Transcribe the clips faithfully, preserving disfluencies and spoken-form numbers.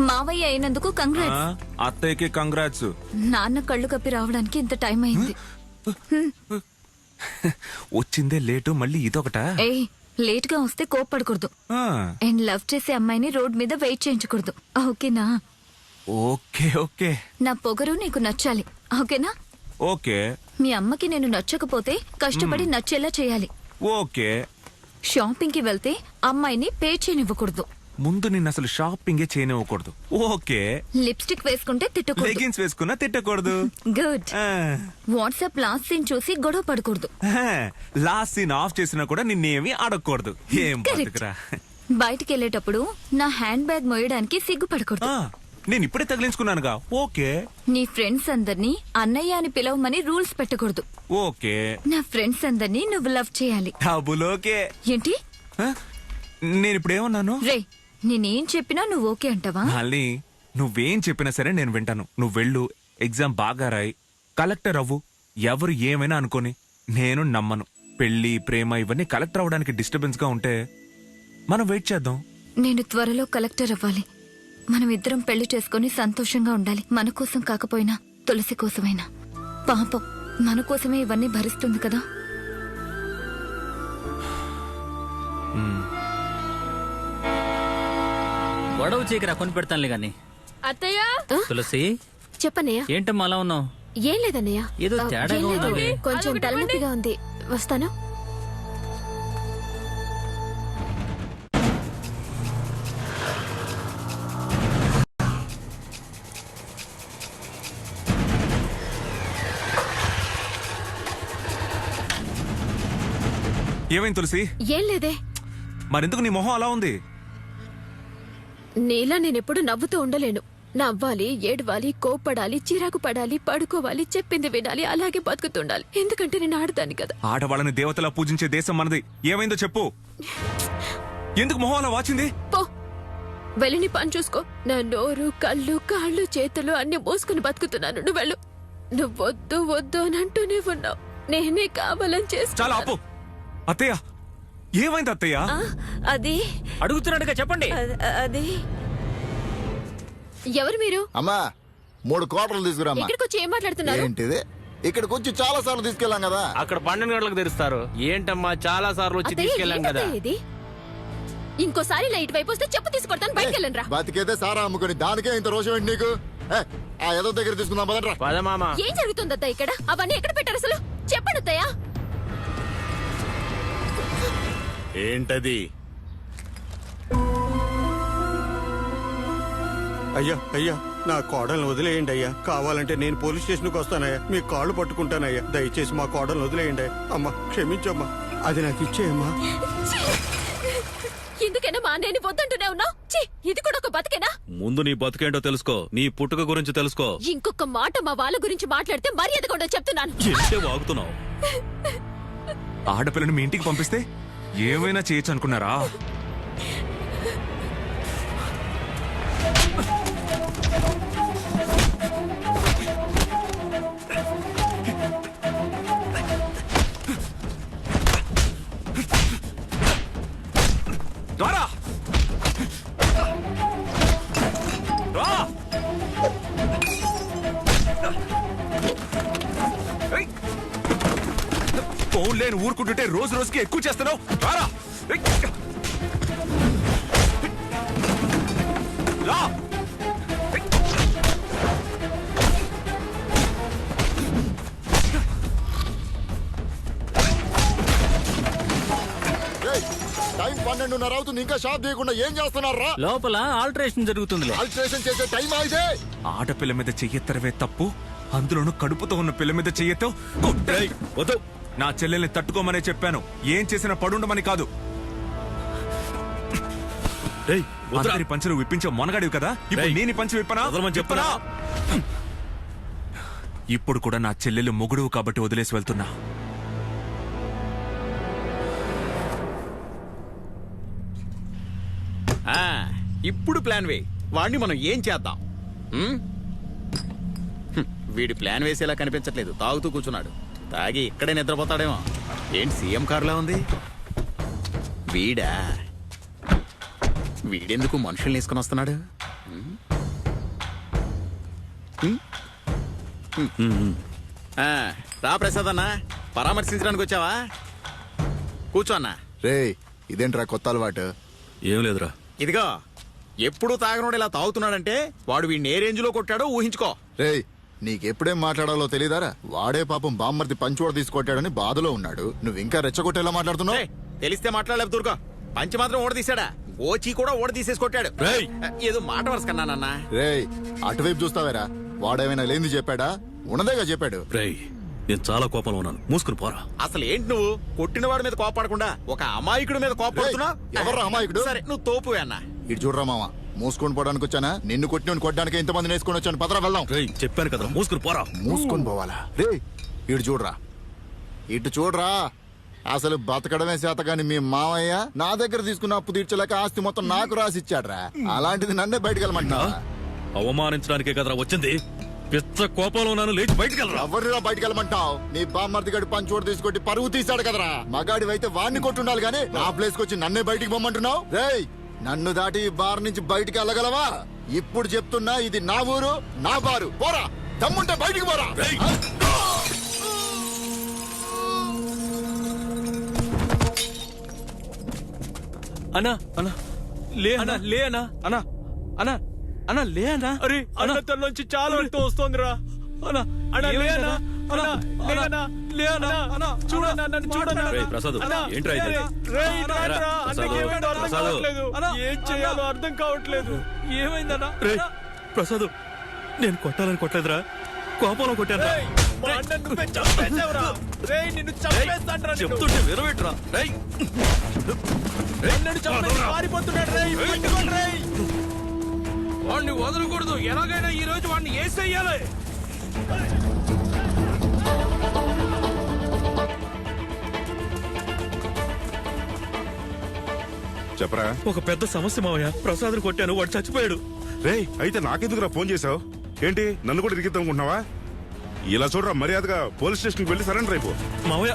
మావయ్య అయినందుకు కంగ్రాట్స్. అత్తయ్యకి కంగ్రాట్స్. నాన్న కళ్ళు కప్పి రావడానికి ఇంత టైం అయింది. వచ్చిందే లేటు, మళ్ళీ ఇదొకటా? ఏ లేట్ గా వస్తే కోప్పడకూడదు. అండ్ లవ్ చేసే అమ్మాయిని రోడ్ మీద వెయిట్ చేయించకూడదు. ఓకేనా? Okay okay. నా పొగరు నీకు నచ్చాలి. ఓకేనా? ఓకే. మీ అమ్మకి నేను నచ్చకపోతే కష్టపడి నచ్చేలా చేయాలి. ఓకే. షాపింగ్ కి వెళ్తే అమ్మాయిని పే చేయనివ్వకూడదు. ముందు నిన్ను అసలు షాపింగే చేయనివ్వకూడదు. ఓకే. లిప్స్టిక్ వేసుకుంటే తిట్టకూడదు. లెగిన్స్ వేసుకున్నా తిట్టకూడదు. గుడ్. వాట్సాప్ లాస్ట్ సీన్ చూసి గొడవ పడకూడదు. లాస్ట్ సీన్ ఆఫ్ చేసినా కూడా నిన్నేమి అడగకూడదు. ఏం బతుకురా. బయటికి వెళ్ళేటప్పుడు నా హ్యాండ్ బ్యాగ్ మోయడానికి సిగ్గుపడకూడదు. నేను ఇప్పుడే తగిలించుకున్నానుగా. ఓకే. నీ ఫ్రెండ్స్ అందరినీ అన్నయ్య అని పిలవమని రూల్స్ పెట్టకూడదు. ఓకే. నా ఫ్రెండ్స్ అందరినీ నువ్వు లవ్ చేయాలి. Double okay. ఏంటి? నేను ఇప్పుడు ఏమన్నాను? రే, నేనేం చెప్పినా నువ్వు ఓకే అంటావా? మళ్ళీ నువ్వేం చెప్పినా సరే నేను వింటాను. నువ్వు వెళ్ళు, ఎగ్జామ్ బాగా రాయి, కలెక్టర్ అవ్వు. ఎవరు ఏమైనా అనుకోని నేను నమ్మను. పెళ్లి ప్రేమ ఇవన్నీ కలెక్టర్ అవ్వడానికి డిస్టర్బెన్స్ గా ఉంటే మనం వెయిట్ చేద్దాం. నేను త్వరలో కలెక్టర్ అవ్వాలి. మనం ఇద్దరం పెళ్లి చేసుకుని సంతోషంగా ఉండాలి. మన కోసం కాకపోయినా తులసి కోసమైనా. పాపం మన కోసమే ఇవన్నీ భరిస్తుంది కదా. గొడవ చీకరా కొని పెడతానులే గాని. అత్తయ్య. తులసి చెప్పన్నయ్య. ఏంటమ్మా అలా ఉన్నావు? ఏం లేదన్నయ్య, ఏదో తేడాగా ఉంది. కొంచెం తలనొప్పిగా ఉంది. వస్తాను. ఏమైంది తులసి? ఏం లేదే. మరెందుకు నీ మొహం అలా ఉంది? నీలా నేనెప్పుడు నవ్వుతూ ఉండలేను. నవ్వాలి, ఏడవాలి, కోప్పడాలి, చిరాకు పడాలి, పడుకోవాలి, చెప్పింది వినాలి, అలాగే బతుకుతుండాలి. ఎందుకంటే నేను ఆడదాన్ని కదా. ఆడవాళ్ళని దేవతలా పూజించే దేశం మనది. ఏమైందో చెప్పు. ఎందుకు మొహం అలా వాచింది? పో, వెళ్ళి పని చూసుకో. నా నోరు, కళ్ళు, కాళ్ళు, చేతులు అన్ని మోసుకుని బతుకుతున్నాను. నువ్వు వెళ్ళు. నువ్వు వద్దు వద్దు అని అంటూనే ఉన్నావు. నేనే కావాలని చేస్తా. చాలా ఆపు. అత్తయ్య, ఏమైంది అత్తయ్య? అది అడుగుతున్నాడుగా చెప్పండి. అది ఎవరు మీరు? అమ్మా, మూడు కోటలు తీసుకురామ్మా. ఇక్కడికి వచ్చి ఏం మాట్లాడుతున్నారు? ఏంటిది? ఇక్కడికి వచ్చి చాలా సార్లు తీసుకెళ్ళాం కదా. అక్కడ పన్నెండు గంటలకు తెరుస్తారు. ఏంటమ్మా, చాలా సార్లు వచ్చి తీసుకెళ్ళాం కదా. ఇది ఇంకోసారి లైట్ వైపు వస్తే చెప్పు తీసుకొడతాను. బయటకు వెళ్ళండి రా. బతికేదే సారా అమ్ముకుని దానికే ఇంత రోషం ఏంటి నీకు? ఆ ఏదో దగ్గర తీసుకుందాం పదట్రా. పదమామా. ఏం జరుగుతుందత్తా ఇక్కడ? అవన్నీ ఎక్కడ పెట్టారు అసలు? చెప్పండి అత్తయ్య. ఏంటది? అయ్యా అయ్యా, నా కోడల్ని వదిలేయండి అయ్యా. కావాలంటే నేను పోలీస్ స్టేషన్కి వస్తానయ్యా. మీ కాళ్ళు పట్టుకుంటానయ్యా. దయచేసి మా కోడల్ని వదిలేయండి. అమ్మా క్షమించమ్మా. అది నాకు ఇచ్చేయమ్మా. ఎందుకైనా మా అన్నయ్యని వద్దంటూనే ఉన్నావు? ఇది కూడా ఒక బతికేనా? ముందు నీ బతుకేంటో తెలుసుకో. నీ పుట్టుక గురించి తెలుసుకో. ఇంకొక మాట మా వాళ్ళ గురించి మాట్లాడితే మర్యాద కూడా చెప్తున్నాను. ఏంటే వాగుతున్నావు? ఆడపిల్లని మీ ఇంటికి పంపిస్తే ఏమైనా చేయొచ్చు అనుకున్నారా? రారా రా. ఫోన్ లేని ఊరుకుంటుంటే రోజు రోజుకి ఎక్కువ చేస్తున్నావు. రారా. రా. టైం పన్నెండున్నర అవుతుంది, ఇంకా షాప్ చేయకుండా ఏం చేస్తున్నారా? లోపల ఆల్టరేషన్ జరుగుతుంది. ఆల్టరేషన్ చేసే టైం అయితే. ఆడపిల్ల మీద చెయ్యెత్తరవే తప్పు, అందులోనూ కడుపుతో ఉన్న పిల్ల మీద చెయ్యెత్తో. వద్దు, నా చెల్లెల్ని తట్టుకోమనే చెప్పాను. ఏం చేసినా పడుండమని కాదు. అందరి పంచులు విప్పించే మొనగాడివి కదా, ఇప్పుడు నేను పంచి విప్పనా? చెప్పనా? ఇప్పుడు కూడా నా చెల్లెలు మొగుడువు కాబట్టి వదిలేసి వెళ్తున్నా. ఇప్పుడు ప్లాన్ వే. వాడిని మనం ఏం చేద్దాం? వీడి ప్లాన్ వేసేలా కనిపించట్లేదు. తాగుతూ కూర్చున్నాడు. తాగి ఇక్కడే నిద్రపోతాడేమో. ఏంటి సీఎం కారులా ఉంది? వీడా? వీడెందుకు మనుషుల్ని వేసుకుని వస్తున్నాడు? ఆ, రా ప్రసాద్ అన్న పరామర్శించడానికి వచ్చావా కూర్చో అన్న. రేయ్ ఇదేంట్రా కొత్త అలవాటు? ఏం లేదురా. ఇదిగో ఎప్పుడు తాగనోడు ఇలా తాగుతున్నాడంటే వాడు వీడిని ఏ రేంజ్ లో కొట్టాడో ఊహించుకో. రేయ్ నీకెప్పుడేం మాట్లాడాలో తెలియదారా? వాడే పాపం బామ్మర్ది పంచోడ తీసుకొట్టాడని బాధలో ఉన్నాడు, నువ్వు ఇంకా రెచ్చగొట్టేలా మాట్లాడుతున్నావు. ఏయ్, తెలిస్తే మాట్లాడలేదు దూరుకో. పంచి మాత్రం ఓడ తీసాడా, ఓచి కూడా ఓడ తీసేసి కొట్టాడు. రేయ్! ఏదో మాట వరుసకన్నానన్న. రేయ్ అటువైపు చూస్తావేరా? వాడేమైనా లేనిది చెప్పాడా? ఉన్నదేగా చెప్పాడు. రేయ్, నేను చాలా కోపంలో ఉన్నాను, మూసుకుని పోరా. అసలు ఏంటి నువ్వు కొట్టిన వాడి మీద కోపడకుండా ఒక అమాయకుడి మీద కోపడుతున్నా? రేయ్, ఎవర్రా అమాయకుడు? సరే నువ్వు తోపు అన్న. ఇటు చూడరా మామ, మూసుకొని పోవడానికి వచ్చానా? నిన్ను కొట్టిన కొట్టడానికి ఇంతమంది వేసుకొని వచ్చాను. పదరా వెళ్దాం. రేయ్, చెప్పాను కదా, మూసుకుని పోరా. మూసుకొని పోవాలా? రే ఇటు చూడరా, ఇటు చూడరా. అసలు బతకడమే చేత కాని మీ మామయ్య నా దగ్గర తీసుకున్న అప్పు తీర్చలేక ఆస్తి మొత్తం నాకు రాసిచ్చాడ్రా. అలాంటిది నన్నే బయటకు వెళ్ళమంటా? అవమానించడానికే కదరా వచ్చింది. పిచ్చ కోపంలో ఉన్నాను, లేచి బయటికి వెళ్ళరా. ఎవరిరా బయటకు వెళ్ళమంటావు? నీ బామ్మర్ది గడి పంచోడు తీసుకొట్టి పరువు తీశాడు కదరా. మగాడి అయితే వాడిని కొట్టుండాలి గానీ నా ప్లేస్ కి వచ్చి నన్నే బయటికి పొమ్మంటున్నావు? రేయ్ నన్ను దాటి ఈ బార్ నుంచి బయటికి వెళ్ళగలవా? ఇప్పుడు చెప్తున్నా, ఇది నా ఊరు, నా బారు. పోరా, దమ్ముంటే బయటికి పోరా. అన్నా అన్నా లే అన్నా లే అన్నా అన్నా అన్నా అన్నా లే అన్నా. అరే అన్న తనలోంచి చాలా రక్తం వస్తోందిరా. అన్నా అన్నా లే అన్నా అన్నా లే అన్నా లే అన్నా అన్నా చూడన్నా నన్ను చూడన్నా. రేయ్, ప్రసాద్, ఏంట్రా ఇది? రేయ్ రారా, ప్రసాద్, అన్నకి ఏమైందో అర్థం ప్రసాద్. కావట్లేదు. ఏం చేయాలో అర్థం కావట్లేదు. ఏమైందన్నా? రేయ్ ప్రసాద్, నేను కొట్టాలని కొట్టలేదురా, కోపంలో కొట్టాను. రేయ్, మా అన్నను నువ్వే చంపేశావురా. రేయ్ నిన్ను చంపేస్తానురా నిన్ను. చెప్తుంటే విరవేట్రా. రేయ్, అన్నను చంపేసి పారిపోతున్నాడు. రేయ్ పట్టుకోండి రేయ్. వాడిని వదలకూడదు, ఎలాగైనా ఈ రోజు వాడిని ఏసేయాలి. చెప్పరా. ఒక పెద్ద సమస్య మావయ్య. ప్రసాద్ కొట్టాను, వాడు చచ్చిపోయాడు. రేయ్ అయితే నాకెందుకురా ఫోన్ చేసావు? ఏంటి నన్ను కూడా ఇరిగిద్దాం అనుకుంటున్నావా? ఇలా చూడరా, మర్యాదగా పోలీస్ స్టేషన్కి వెళ్ళి సరెండర్ అయిపో. మావయ్య,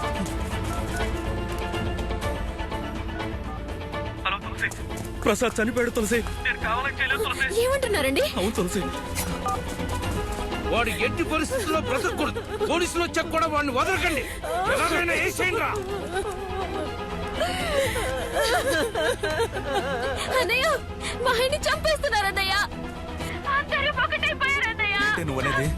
ప్రసాద్ చనిపోయాడు తులసి. ఏమంటున్నారండి? అవును తులసి. వాడు ఎట్టి పరిస్థితుల్లో బ్రతకూడదు. పోలీసులు వచ్చాక కూడా వాడిని వదలకండి. ఎలాగైనా వేసేయండి రా. అన్నయ్య మా ఆయన్ని చంపేస్తున్నారు అన్నయ్య. అందరూ ఒకటైపోయారు అన్నయ్య. నువ్వు అనేది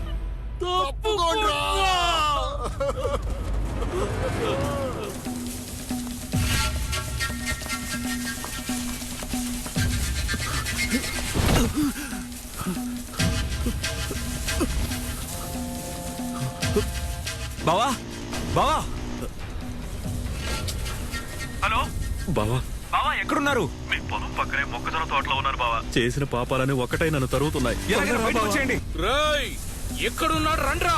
బావా బావా హలో బావా, బావా ఎక్కడున్నారు? మీ పొలం పక్కనే మొక్కజొన్న తోటలో ఉన్నారు బావా. చేసిన పాపాలని ఒక్కటై నన్ను తరుగుతున్నాయి. ఎలాగైనా బయటకు వచ్చేయండి. రేయ్ ఎక్కడున్నాడు రండ్రా.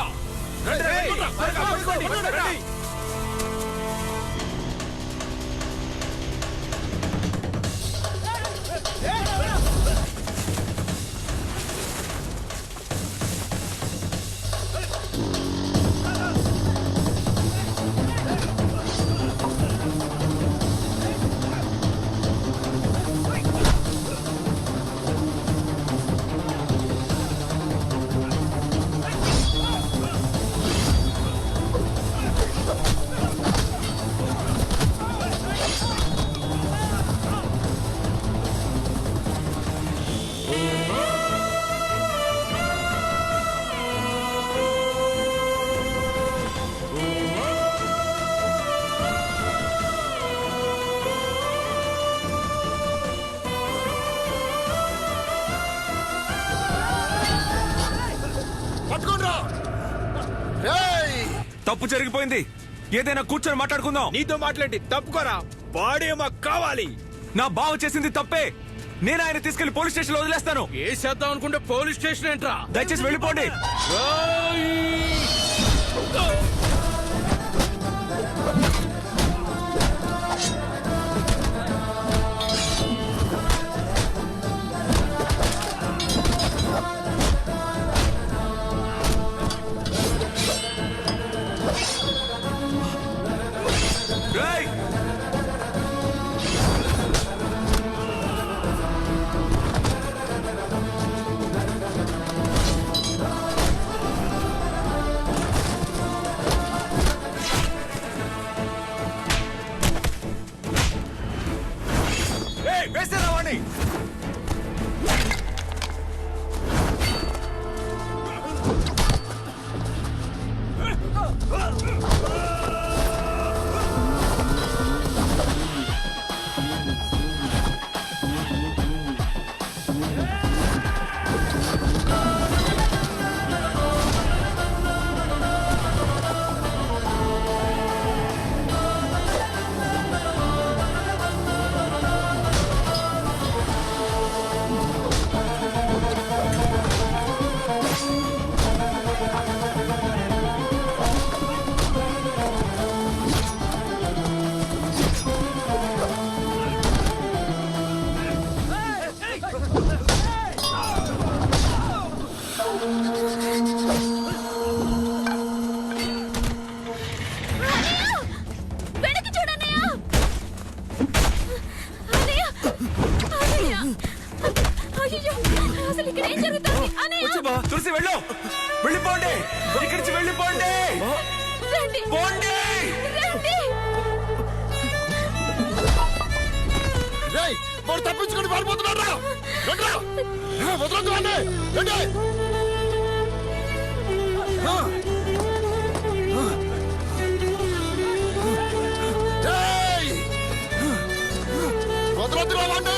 పట్టుకోండ్రా. రేయ్ తప్పు జరిగిపోయింది, ఏదైనా కూర్చొని మాట్లాడుకుందాం. నీతో మాట్లాడి తప్పుకోరా. బాడీ మాకు కావాలి. నా బావ చేసింది తప్పే. నేను ఆయన తీసుకెళ్లి పోలీస్ స్టేషన్ లో వదిలేస్తాను. ఏ చేద్దాం అనుకుంటే పోలీస్ స్టేషన్ ఏంట్రా. దయచేసి వెళ్ళిపోండి. రేయ్! వేసేరా వాడిని. వెనక్కి చూడన్నయ్య. అన్నయ్య, అన్నయ్య. అయ్యయ్యో, అసలు ఇక్కడ ఏం జరుగుతుంది అన్నయ్య? వచ్చి బా, తులసి వెళ్ళు, వెళ్ళిపోండి, ఇక్కడి నుంచి వెళ్ళిపోండి, రండి, పోండి. రండి. రేయ్ వాడు తప్పించుకొని పారిపోతున్నాడు రా. రండి రా. ఆ, వదలొద్దు వాడిని. రండి. ఆ. ఆ. రేయ్. వదలొద్దు రా వాడిని.